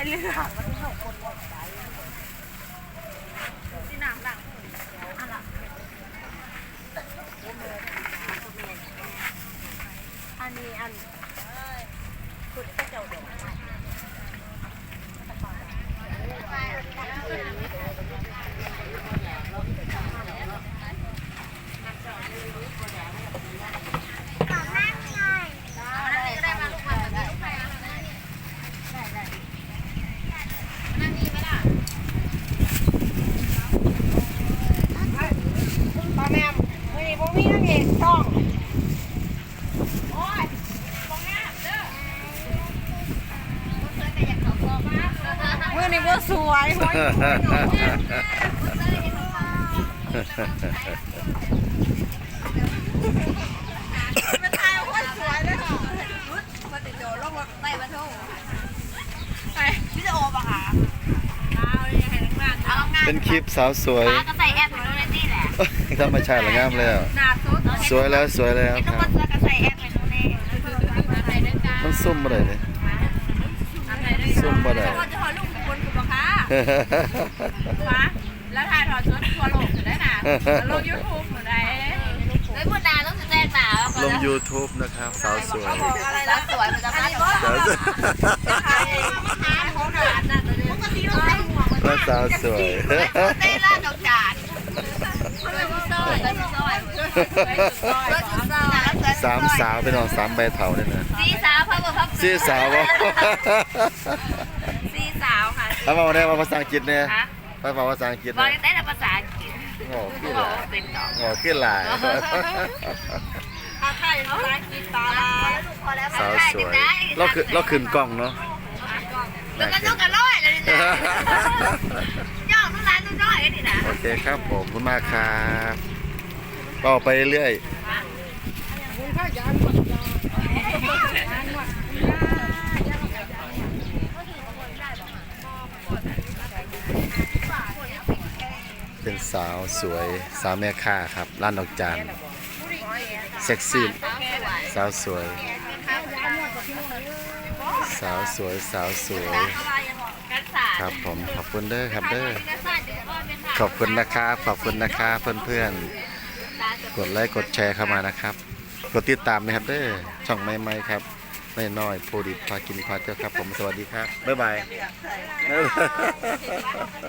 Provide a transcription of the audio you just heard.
เลือกที่น้ำหลังอันนี้อันคุณก็เจ้าดอกมือนี่ก็สวยหัวเป็นทายว่าสวยเลยค่ะมาติดโดลงมาไต่มาทุ่งไปพี่จะโอปะค่ะเป็นคลิปสาวสวยก็ใส่แอปไปดูในนี่แหละธรรมชาติละงามแล้วสวยแล้วสวยแล้วครับก็ใส่แอปไปดูในมันซุ่มบ่ได้เลยซุ่มบ่ได้จะขอลูกคนกูปะคะฟ้าแล้วถ่ายถอดชุดทัวร์ลงจะได้นะลงยูทูบหนูได้เฮ้ยพูดนานต้องแจ้งตาลง YouTube นะครับสาวสวยอะไรนะสวยมันจะมาสาวสวยแล้วสาวสวยเต้นล่าดอกจานสามสาวเป็นน้องสามใบเถาเนี่ยนะสี่สาวพ่อบอกพ่อสี่สาววะสี่สาวค่ะเอามาได้มาภาษาอังกฤษเนี่ยมาภาษาอังกฤษบอกได้แต่ภาษาอังกฤษโง่ขึ้นหลายโง่ขึ้นหลายไทยภาษาอังกฤษตาสาวสวยเราขึ้นกล้องเนาะแล้วก็ต้องกันร้อยเลยนะย่องทุกร้านทุกร้อยกันดินะโอเคครับผมขอบคุณมากครับต่อไปเรื่อยเป็นสาวสวยสาวแม่ค้าครับร้านดอกจานเซ็กซี่สาวสวยสาวสวยสาวสวยครับผมขอบคุณเด้อครับเด้อขอบคุณนะครับขอบคุณนะครับเพื่อนๆกดไลค์กดแชร์เข้ามานะครับกดติดตามนะครับเด้อช่องใหม่ๆครับน้อยๆโพดิพากินพาเที่ยวครับผมสวัสดีครับบ๊ายบาย